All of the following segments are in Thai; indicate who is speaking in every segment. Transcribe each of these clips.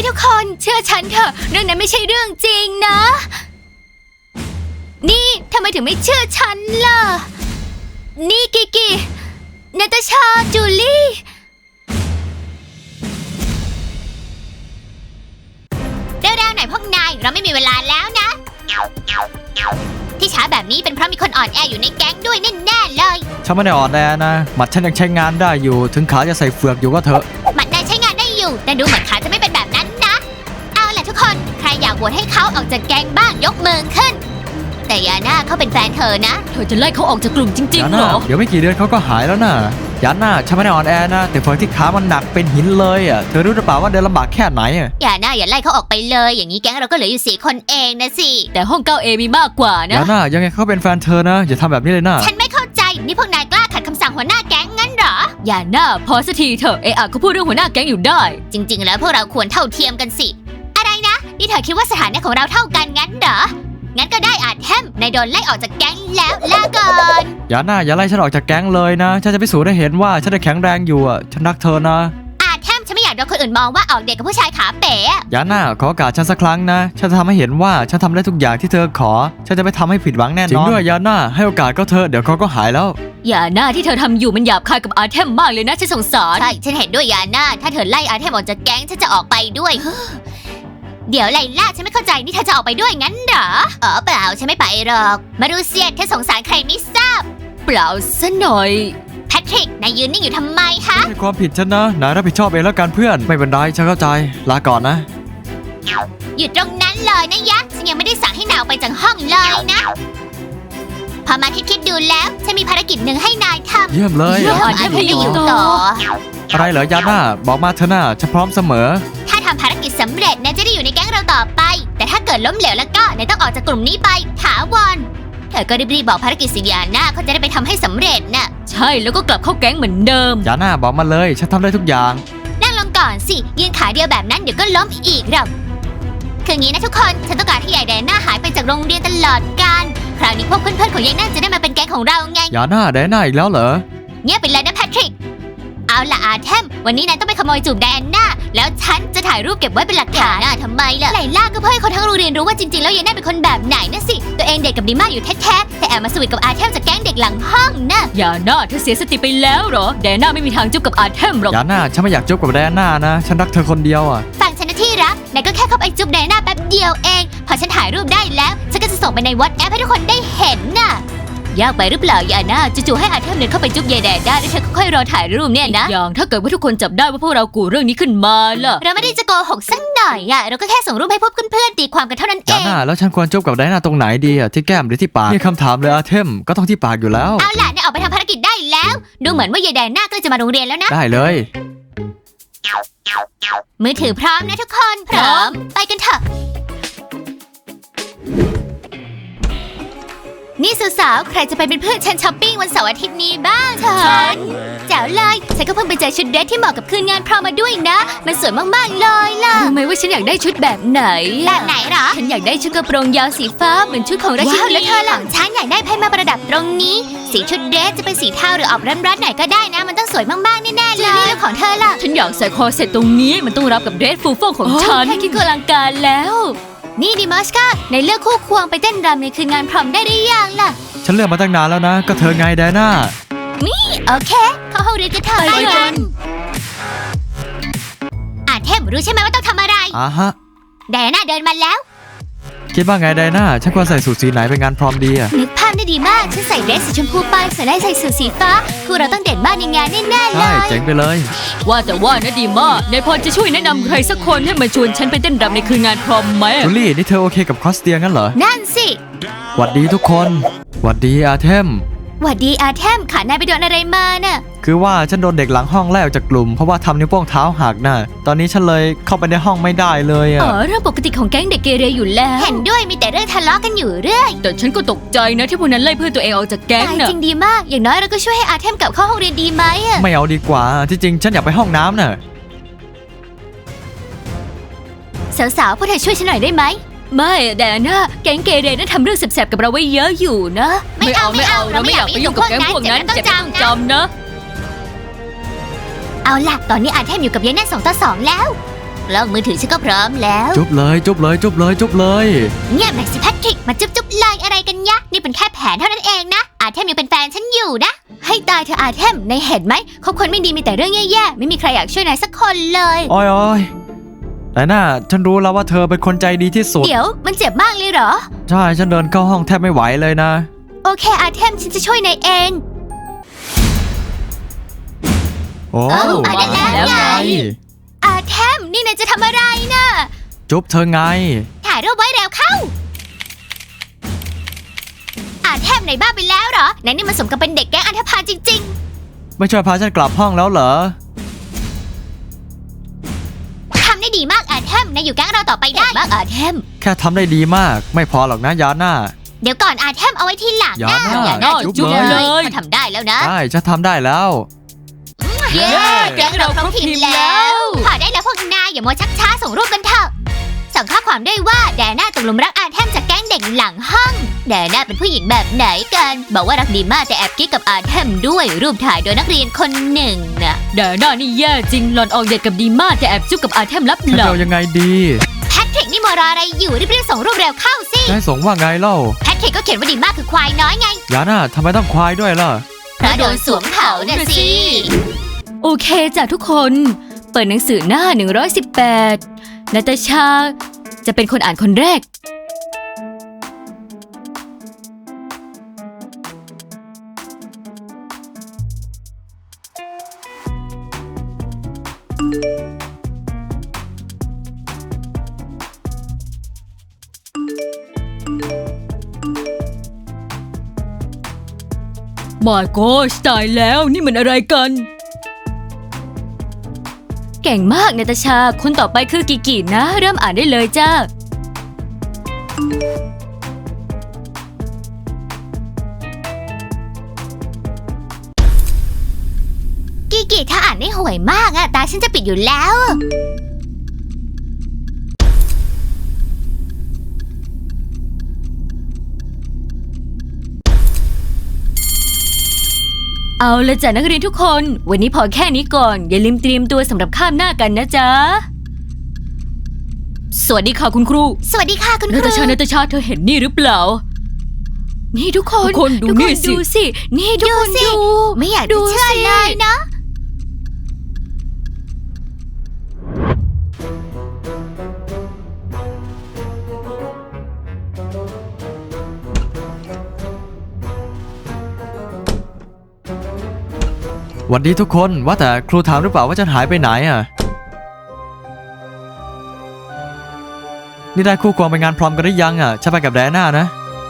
Speaker 1: ทุกคนเชื่อฉันเถอะเรื่องนั้นไม่ใช่เรื่องจริงนะนี่ทำไมถึงไม่เชื่อฉันล่ะนี่กินาตาชาจูลี่เร็วๆหน่อยพวกนายเราไม่มีเวลาแล้วนะที่ช้าแบบนี้เป็นเพราะมีคนอ่อนแออยู่ในแก๊งด้วยแน่ๆเลย
Speaker 2: ฉันไม่ได้อ่อนแอนะหมัดฉันยังใช้งานได้อยู่ถึงขาจะใส่เฟือกอยู่ก็เถอะ
Speaker 1: หมัดนายใช้งานได้อยู่แต่ดูเหมือนขาจะไม่เป็นแบบนั้นนะเอาล่ะทุกคนใครอยากโหวตให้เขาออกจากแก๊งบ้างยกมือขึ้นแต่ยาน่าเขาเป็นแฟนเธอนะเธอจะไล่เขาออกจากกลุ่มจริงๆเหรอ
Speaker 2: เดี๋ยวไม่กี่เดือนเขาก็หายแล้วนะยาน่าฉันไม่ได้อ่อนแอนะแต่เฟือกที่ขามันหนักเป็นหินเลยอ่ะเธอรู้หรือเปล่าว่าเดินลำบากแค่ไหนอ่ะ
Speaker 1: ยาน่าอย่าไล่เขาออกไปเลยอย่างนี้แก๊งเราก็เหลืออยู่4 คนเองนะสิแต่ห้อง 9A มีมากกว่านะ
Speaker 2: ยาน่ายังไงเขาเป็นแฟนเธอนะอย่าทำแบบนี้เลยนะ
Speaker 1: ฉันไม่เข้าใจนี่พวกนายกล้าขัดคำสั่งหัวหน้าแก๊งงั้นเหรอยาน่าพอสักทีเถอะเขาพูดเรื่องหัวหน้าแก๊งอยู่ได้จริงๆแล้วพวกเราควรเท่าเทียมกันสิอะไรนะนี่เธอคิดว่าสถานะของเราเท่ากันงั้นเหรองั้นก็ได้อาจแทมนายโดนไล่ออกจากแก๊งแล้วลาก่อน
Speaker 2: ยาน่าอย่าไล่ฉันออกจากแก๊งเลยนะฉันจะพิสูจน์ให้เห็นว่าฉันได้แข็งแรงอยู่อ่ะฉันรักเธอนะ
Speaker 1: อาจแทมฉันไม่อยากโดนคนอื่นมองว่าออกเด็กกับผู้ชายขาเป๋
Speaker 2: ยาน่าขอโอกาสฉันสักครั้งนะฉันจะทำให้เห็นว่าฉันทำได้ทุกอย่างที่เธอขอฉันจะไม่ทำให้ผิดหวังแน่นอนจริงด้วยยาน่าให้โอกาสก็เธอเดี๋ยวเขาก็หายแล้ว
Speaker 1: ยาน่าที่เธอทำอยู่มันหยาบคายกับอาร์เทมมากเลยนะฉันสงสารใช่ฉันเห็นด้วยยาน่าถ้าเธอไล่อาร์เทมออกจากแก๊งฉันจะออกไปด้วย เดี๋ยวไลล่าฉันไม่เข้าใจนี่เธอจะออกไปด้วยงั้นเหรอเปล่าฉันไม่ไปหรอกมารูเซียเธอสงสารใครไม่ทราบเปล่าซะหน่อยแพทริกนายยืนนิ่งอยู่ทำไมคะ
Speaker 2: ไม่ใช่ความผิดฉันนะนายรับผิดชอบเองแล้วกันเพื่อนไม่เป็นไรฉันเข้าใจลาก่อนนะ
Speaker 1: หยุดตรงนั้นเลยนะยะฉันยังไม่ได้สั่งให้นายออกไปจากห้องเลยนะพอมาคิดดูแล้วฉันมีภารกิจหนึ่งให้นายทำ
Speaker 2: เยี่ยมเลย
Speaker 1: อาร์เทมให้อยู่ต่อ
Speaker 2: อะไรเหรอยาน่าบอกมาเถอะนะฉันพร้อมเสมอ
Speaker 1: ถ้าทำภารกิจสำเร็จนายจะได้อยู่ในแก๊งเราต่อไปแต่ถ้าเกิดล้มเหลวแล้วก็นายต้องออกจากกลุ่มนี้ไปถาวรเธอก็รีบบอกภารกิจสิยาน่าเขาจะได้ไปทำให้สำเร็จน่ะใช่แล้วก็กลับเข้าแก๊งเหมือนเดิม
Speaker 2: ยาน่าบอกมาเลยฉันทำได้ทุกอย่าง
Speaker 1: นั่งลงก่อนสิยืนขาเดียวแบบนั้นเดี๋ยวก็ล้มอีกหรอกคืองี้นะทุกคนฉันต้องการให้ยายแดน่าหายไปจากโรงเรียนตลอดกาลคราวนี้พวกเพื่อนๆของยายน่าจะได้มาเป็นแก๊งของเราไง
Speaker 2: ยาน่าแดน่าอีกแล้วเหรอ
Speaker 1: เงียบไปเลยนะแพทริกเอาล่ะอาร์เทมวันนี้นายต้องไปขโมยจูบแดนน่าแล้วฉันจะถ่ายรูปเก็บไว้เป็นหลักฐานทำไมล่ะไลล่าก็เพื่อให้คนทั้งโรงเรียนรู้ว่าจริงๆแล้วยายน่าเป็นคนแบบไหนนะสิตัวเองเด็กกับดีมากอยู่แท้ๆแต่แอบมาสวีทกับอาร์เทมจากแก๊งเด็กหลังห้องนะยาน่าเธอเสียสติไปแล้วเหรอแดนน่าไม่มีทางจุ๊บกับอาร์เทมหรอก
Speaker 2: ยาน่าฉันไม่อยากจุ๊บกับแดนน่านะฉันรักเธอคนเดียวอ่ะ
Speaker 1: ฟังฉันนะที่รักนายก็แค่เข้าไปจุ๊บแดนน่าแป๊บเดียวเองพอฉันถ่ายรูปได้แล้วฉันก็จะส่งไปในวอทแอปให้ทุกคนได้เห็นน่ะยากไปหรือเปล่ายาน่าจู่ๆให้อาร์เทมเดินเข้าไปจุ๊บยายแดนได้แล้วเธอค่อยรอถ่ายรูปเนี่ยนะอย่างถ้าเกิดว่าทุกคนจับได้ว่าพวกเรากู่เรื่องนี้ขึ้นมาล่ะเราไม่ได้จะโกหกสักหน่อยเราก็แค่ส่งรูปให้พวกเพื่อนๆตีความกันเท่านั้นเอง
Speaker 2: ยาน่าแล้วฉันควรจุ๊บกับแดนน่าตรงไหนดีอ่ะที่แก้มหรือที่ปากนี่คำถามเลยอาร์เทมก็ต้องที่ปากอยู่แล้ว
Speaker 1: เอาล่ะนายออกไปทำภารกิจได้แล้วดูเหมือนว่ายายแดนน่าก็จะมาโรงเรียนแล้วนะ
Speaker 2: ได้เลย
Speaker 1: มือถือพร้อมนะทุกคนพร้อมไปกันเถอะนี่สาวๆใครจะไปเป็นเพื่อนฉันช้อปปิ้งวันเสาร์อาทิตย์นี้บ้างฉันแจ๋วเลยฉันก็เพิ่งไปเจอชุดเดรสที่เหมาะกับคืนงานพรอมมาด้วยนะมันสวยมากๆเลยล่ะรู้ไหมว่าฉันอยากได้ชุดแบบไหนแบบไหนหรอฉันอยากได้ชุดกระโปรงยาวสีฟ้าเหมือนชุดของราชินีแล้วเธอล่ะฉันอยากได้ไพ่มาประดับตรงนี้สีชุดเดรสจะเป็นสีเทาหรือออกร้อนๆหน่อยก็ได้นะมันต้องสวยมากๆแน่ๆเลยแล้วของเธอล่ะฉันอยากใส่คอเสร็จตรงนี้มันต้องรับกับเดรสฟูฟ่องของฉันแค่คิดก็อลังการแล้วนี่ดิมัสกาในเลือกคู่ควงไปเต้นรำในคืนงานพรอมได้หรือยังล่ะ
Speaker 2: ฉันเลือกมาตั้งนานแล้วนะก็เธอไงแดน่า
Speaker 1: นี่โอเคเข้าห้องเรียนกันเถอะไปกันเทมรู้ใช่ไหมว่าต้องทำอะไร
Speaker 2: ฮะ
Speaker 1: แดน่าเดินมาแล้ว
Speaker 2: คิดว่าไงแดน่าฉันควรใส่สูทสีไหนไปงานพรอมดีอะ
Speaker 1: นึกภาพได้ดีมากฉันใส่เดรสสีชมพูไปส่วนได้ใส่สูทสีฟ้าพวกเราต้องเด่นมากในงานแน่ๆเลย
Speaker 2: ใช่เจ๋งไปเลย
Speaker 1: ว่าแต่ว่านะดีมากนายพอจะช่วยแนะนำใครสักคนให้มาชวนฉันไปเต้นรำในคืนงานพรอมไหม
Speaker 2: จูลี่นี่เธอโอเคกับคอสเตียงั้นเหรอ
Speaker 1: นั่นสิ
Speaker 2: หวัดดีทุกคนหวัดดีอาร์เทม
Speaker 1: หวัดดีอาร์เทมขานายไปโดนอะไรมาน่ะ
Speaker 2: คือว่าฉันโดนเด็กหลังห้องไล่ออกจากกลุ่มเพราะว่าทำนิ้วโป้งเท้าหักน่ะตอนนี้ฉันเลยเข้าไปในห้องไม่ได้เลยอ่ะ
Speaker 1: เรื่องปกติของแก๊งเด็กเกเรอยู่แล้วเห็นด้วยมีแต่เรื่องทะเลาะกันอยู่เรื่อยแต่ฉันก็ตกใจนะที่พวกนั้นไล่เพื่อนตัวเองออกจากแก๊งน่ะจริงดีมากอย่างน้อยเราก็ช่วยให้อาร์เทมกลับเข้าห้องเรียนดีไหม
Speaker 2: ไม่เอาดีกว่าที่จริงฉันอยากไปห้องน้ำน่ะ
Speaker 1: สาวๆพวกเธอช่วยฉันหน่อยได้ไหมไม่แดน่าแก๊งเกเรน่าทำเรื่องแสบๆกับเราไว้เยอะอยู่นะไม่เอาเราไม่อยากไปยุ่งกับแก๊งพวกนั้นจะต้องจำนะเอาล่ะตอนนี้อาร์เทมอยู่กับยายแน่2 ต่อ 2แล้วกล้องมือถือฉันก็พร้อมแล้ว
Speaker 2: จุ๊บเลยจุ๊บเลยจุ๊บเลยจุ๊บเลย
Speaker 1: เงียบหน่อยสิแพทริกมาจุ๊บเลยอะไรกันยะนี่เป็นแค่แผนเท่านั้นเองนะอาเทมยังเป็นแฟนฉันอยู่นะให้ตายเธออาเทมนายเห็นไหมคบคนไม่ดีมีแต่เรื่องแย่ๆไม่มีใครอยากช่วยนายสักคนเลย
Speaker 2: อ้อยแต่น่าฉันรู้แล้วว่าเธอเป็นคนใจดีที่สุด
Speaker 1: เดี๋ยวมันเจ็บมากเลยเหรอ
Speaker 2: ใช่ฉันเดินเข้าห้องแทบไม่ไหวเลยนะ
Speaker 1: โอเคอาเทมฉันจะช่วยนายเอง
Speaker 2: โอ้
Speaker 1: เอาได้แล้วไง อาเทมนี่นายจะทำอะไรนะ
Speaker 2: จุ๊บเธอไง
Speaker 1: ถ่ายรูปไว้เร็วเข้าอาเทมไหนบ้าไปแล้วเหรอนายนี่มันสมกับเป็นเด็กแก๊งอันธพาลจริง
Speaker 2: ไม่ช่วยพาฉันกลับห้องแล้วเหรอ
Speaker 1: ๆทำได้ดีมากอาเทมนายอยู่แก๊งเราต่อไปได้มากอาเทม
Speaker 2: แค่ทำได้ดีมากไม่พอหรอกนะยาน่า
Speaker 1: เดี๋ยวก่อนอาเทมเอาไว้ที่หลัง
Speaker 2: อย่า
Speaker 1: นะ
Speaker 2: นะ
Speaker 1: อย่าน่า
Speaker 2: จุ๊บ
Speaker 1: จุ๊บ
Speaker 2: เลย
Speaker 1: เลยถ้าทำได้แล้วนะ
Speaker 2: ใช่ฉันทำได้แล้ว
Speaker 1: เย้แก๊งเราครบทีมแล้วพอได้แล้วพวกนายอย่ามัวชักช้าส่งรูปกันเถอะส่งข้อความด้วยว่าแดน่าตกหลุมรักอาเทมจากแก๊งเด็กหลังห้องแดน่าเป็นผู้หญิงแบบไหนกันบอกว่ารักดีมากแต่แอบกิ๊กกับอาเทมด้วยรูปถ่ายโดยนักเรียนคนหนึ่งน่ะ
Speaker 3: แดน่านี่แย่จริงหลอนออกเดทกับดีมากแต่แอบจุ๊บกับอาเทมลับ
Speaker 2: ฉัน
Speaker 3: หลั
Speaker 2: จะ
Speaker 3: ง
Speaker 2: เอายังไงดี
Speaker 1: แพทริกนี่มัวรออะไรอยู่รีบๆส่งรูปเร็วเข้าสิ
Speaker 2: นายส่งว่าไงเล่า
Speaker 1: แพทริกก็เขียนว่าดีมากคือควายน้อยไง
Speaker 2: ยาน่าทำไมต้องควายด้วยล่ะ
Speaker 1: เพราะโดนสวมเขาน่ะสิ
Speaker 3: โอเคจ้ะทุกคน เปิดหนังสือหน้า 118นาตาชาจะเป็นคนอ่านคนแรก My gosh ตายแล้วนี่มันอะไรกัน เก่งมากนาตาชา คนต่อไปคือกิกินะ เริ่มอ่านได้เลยจ้า
Speaker 1: กิกิถ้าอ่านได้ห่วยมากอะตาฉันจะปิดอยู่แล้ว
Speaker 3: เอาละจ้ะนักเรียนทุกคน วันนี้พอแค่นี้ก่อน อย่าลืมเตรียมตัวสำหรับข้ามหน้ากันนะจ๊ะ สวัสดีค่ะคุณครู
Speaker 1: สวัสดีค่ะคุณค
Speaker 3: นา
Speaker 1: รู
Speaker 3: ตาชานาตาชาเธอเห็นนี่หรือเปล่า นี่ทุกคน
Speaker 2: ทุกคนดู
Speaker 3: ทุก
Speaker 2: นี่สิ
Speaker 3: ดูสิ นี่ทุกคนดู
Speaker 1: ไม่อยากจะ
Speaker 3: ดู
Speaker 1: เชื่อ
Speaker 3: สิ
Speaker 1: เลยนะ
Speaker 2: หวัดดีทุกคนว่าแต่ครูถามหรือเปล่าว่าฉันหายไปไหนอ่ะ นี่ได้คู่ควงไปงานพรอมกันหรือยังอ่ะฉันไปกับแดน่านะ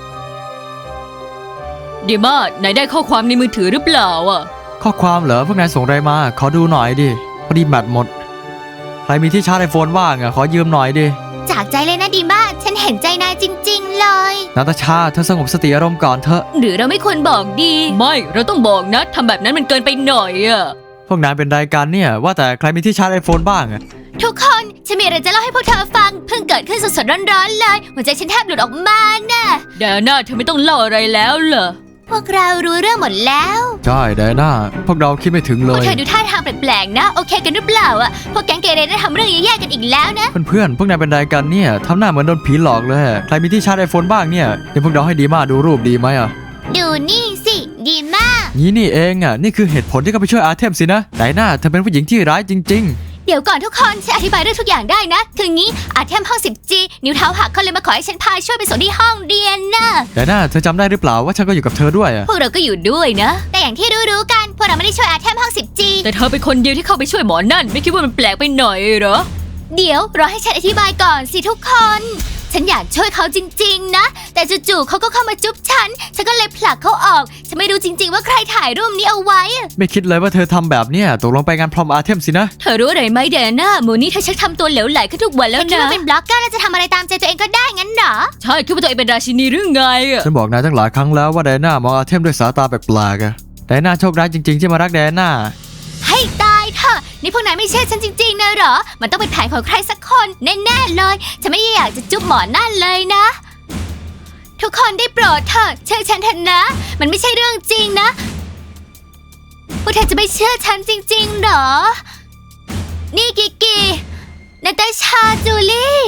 Speaker 3: ดีมากไหนได้ข้อความในมือถือหรือเปล่าอ่ะ
Speaker 2: ข้อความเหรอพวกนายส่งอะไรมาขอดูหน่อยดิพอดีแบตหมดใครมีที่ชาร์จไอโฟนว่างอ่ะขอยืมหน่อยดิ
Speaker 1: จากใจเลยนะดีมากฉันเห็นใจนายจริงๆเลย
Speaker 2: นาตาชาเธอสงบสติอารมณ์ก่อนเถอะ
Speaker 3: หรือเราไม่ควรบอกดี ไม่เราต้องบอกนะทำแบบนั้นมันเกินไปหน่อยอ่ะ
Speaker 2: พวกนายเป็นรายการเนี่ยว่าแต่ใครมีที่ชาร์จไอโฟนบ้างอ่ะ
Speaker 1: ทุกคนฉันมีอะไรจะเล่าให้พวกเธอฟังเพิ่งเกิดขึ้นสดๆร้อนๆเลยหัวใจฉันแทบหลุดออกมาน่ะ
Speaker 3: แดน่าเธอไม่ต้องเล่าอะไรแล้วเหรอ
Speaker 1: พวกเรารู้เรื่องหมดแล้ว
Speaker 2: ใช่แดน่าพวกเราคิดไม่ถึงเล
Speaker 1: พวก
Speaker 2: ย
Speaker 1: เธอดูท่าทางแปลกๆนะโอเคกันหรือเปล่าอะพวกแก๊งเกเรได้ทำเรื่องแย่ๆกันอีกแล้วนะ
Speaker 2: เพื่อนๆพวกนายเป็นรายการเนี่ยทำหน้าเหมือนโดนผีหลอกเลยใครมีที่ชาร์จไอโฟนบ้างเนี่ยเดี๋ยวพวกเราให้ดีมากดูรูปดีไหมอ่ะ
Speaker 1: ดูนี่สิดีมาก
Speaker 2: งี้นี่เองอ่ะนี่คือเหตุผลที่เขาไปช่วยอาเทมสินะไดน่าเธอเป็นผู้หญิงที่ร้ายจริง
Speaker 1: เดี๋ยวก่อนทุกคนฉันอธิบายเรื่องทุกอย่างได้นะคืองี้อาเทมห้อง 10G นิ้วเท้าหักเขาเลยมาขอให้ฉันพาช่วยไปส่งที่ห้องเรียนน่ะ
Speaker 2: ๆไดน่าเธอจำได้หรือเปล่าว่าฉันก็อยู่กับเธอด้วยอ่ะ
Speaker 3: พวกเราก็อยู่ด้วยนะ
Speaker 1: แต่อย่างที่รู้ๆกันพวกเราไม่ได้ช่วยอาเทมห้อง 10G
Speaker 3: แต่เธอเป็นคนเดียวที่เข้าไปช่วยหมอนั่น ไม่คิดว่ามันแปลกไปหน่อยเหรอ
Speaker 1: เดี๋ยวรอให้ฉันอธิบายก่อนสิทุกคน ฉันอยากช่วยเขาจริงๆนะแต่จู่ๆเขาก็เข้ามาจุ๊บฉันก็เลยผลักเขาออกฉันไม่รู้จริงๆว่าใครถ่ายรูปนี้เอาไว้
Speaker 2: ไม่คิดเลยว่าเธอทำแบบเนี้ยตกลงไปงานพรอมอาเทมสินะ
Speaker 3: เธอรู้อะไรไหมแดน่าโมนี่เธอชักทำตัวเหลวไหลขึ้นทุกวันแล้ว
Speaker 1: คิด
Speaker 3: นะ
Speaker 1: ว่าเป็นบล็อกเกอร์แล้วจะทำอะไรตามใจตัวเองก็ได้งั้นเหรอ
Speaker 3: ใช่คิดว่าตัวเองเป็นราชินีหรือไงอะ
Speaker 2: ฉันบอกนายตั้งหลายครั้งแล้วว่าไดน่ามองอาเทมด้วยสายตาแปลกๆอ่ะไดน่าโชคร้ายจริงๆที่มารักไดน่า
Speaker 1: ให้ตายเถอะนี่พวกนายไม่เชื่อฉันจริงๆนะเหรอมันต้องเป็นแผนของใครสักคนแน่ๆเลยฉันไม่อยากจะจุ๊บหมอนั่นเลยนะ ทุกคนได้โปรดเถอะเชื่อฉันเถอะนะ มันไม่ใช่เรื่องจริงนะพวกเธอจะไม่เชื่อฉันจริงๆเหรอ นี่กิกกี้นาตาชาจูลี่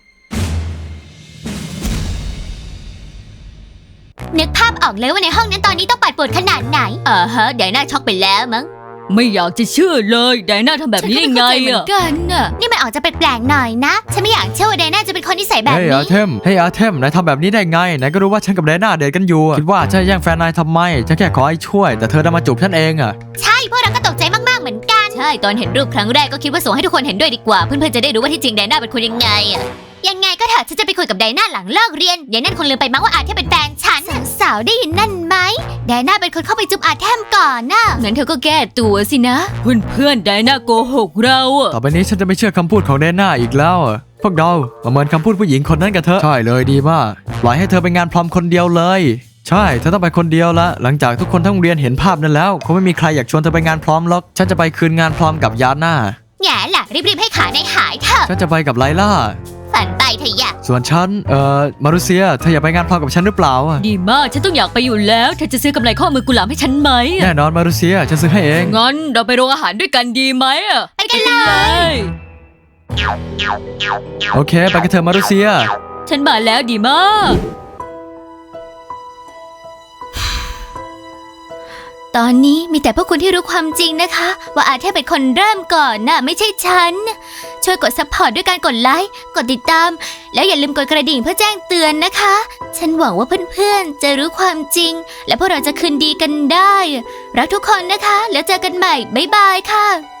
Speaker 1: นึกภาพออกเลยว่าในห้องนั้นตอนนี้ต้องปั่นป่วนขนาดไหนไดน่าช็อกไปแล้วมั้ง
Speaker 3: ไม่อยากจะเชื่อเลยไดน่าทำแบบนี้ได้ไง
Speaker 1: ฉันก็ไม่เข้าใจเหมือนกันน่ะนี่มันออกจะแปลกๆหน่อยนะฉันไม่อยากเชื่อว่าไดน่าจะเป็นคนที่ใส่แบบ
Speaker 2: เฮ้ย
Speaker 1: นี้
Speaker 2: อาเทมนายทำแบบนี้ได้ไงนายก็รู้ว่าฉันกับไดน่าเดทกันอยู่คิดว่าฉันจะแย่งแฟนนายทำไมฉันแค่ขอให้ช่วยแต่เธอดันมาจูบฉันเองอะ
Speaker 1: ใช่พวกเราก็ตกใจมากๆเหมือนกันใช่ตอนเห็นรูปครั้งแรกก็คิดว่าส่งให้ทุกคนเห็นด้วยดีกว่าเพื่อนๆจะได้รู้ว่าที่จริงไดน่าเป็นคนยังไงอะยังไงก็เถอะฉันจะไปคุยกับไดน่าหลังเลิกเรียนยายนั่นคงลืมไปมั้งว่าอาเทมเป็นแฟนฉันสาวๆได้ยินนั่นไหมไดน่าเป็นคนเข้าไปจุ๊บอาเทมก่อนน่ะ
Speaker 3: งั้นเธอก็แก้ตัวสินะ เพื่อนๆไดน่าโกหกเราอะ
Speaker 2: ต่อไปนี้ฉันจะไม่เชื่อคำพูดของไดน่าอีกแล้วอะพวกเรามาเหมือนคำพูดผู้หญิงคนนั้นกันเถอะใช่เลยดีมากปล่อยให้เธอไปงานพรอมคนเดียวเลยใช่เธอต้องไปคนเดียวละหลังจากทุกคนทั้งโรงเรียนเห็นภาพนั้นแล้วคงไม่มีใครอยากชวนเธอไปงานพร้อมหรอกฉันจะไปคืนงานพร้อมกับยาน่า
Speaker 1: แง่ล่ะรีบๆให้ขาในหายเถอะ
Speaker 2: ฉันจะไปกับไลล่า
Speaker 1: ฝันไปเถอะอย่า
Speaker 2: ส่วนฉันมารุเซียเธออยากไปงานพร้อมกับฉันหรือเปล่าอะ
Speaker 3: ดีมากฉันต้องอยากไปอยู่แล้วเธอจะซื้อกำไรข้อมือกุหลาบให้ฉันไหมอะ
Speaker 2: แน่นอนมารุเซียฉันซื้อให้เอง
Speaker 3: งั้นเราไปโรงอาหารด้วยกันดีไหมอะ
Speaker 1: ไปกันเลย
Speaker 2: โอเคไปกันเถอะมารุเซีย
Speaker 3: ฉันมาแล้วดีมาก
Speaker 1: ตอนนี้มีแต่พวกคุณที่รู้ความจริงนะคะ ว่าอาเทพเป็นคนเริ่มก่อนน่ะไม่ใช่ฉัน ช่วยกดซัพพอร์ตด้วยการกดไลค์กดติดตาม แล้วอย่าลืมกดกระดิ่งเพื่อแจ้งเตือนนะคะ ฉันหวังว่าเพื่อนๆจะรู้ความจริง และพวกเราจะคืนดีกันได้ รักทุกคนนะคะ แล้วเจอกันใหม่บ๊ายบายค่ะ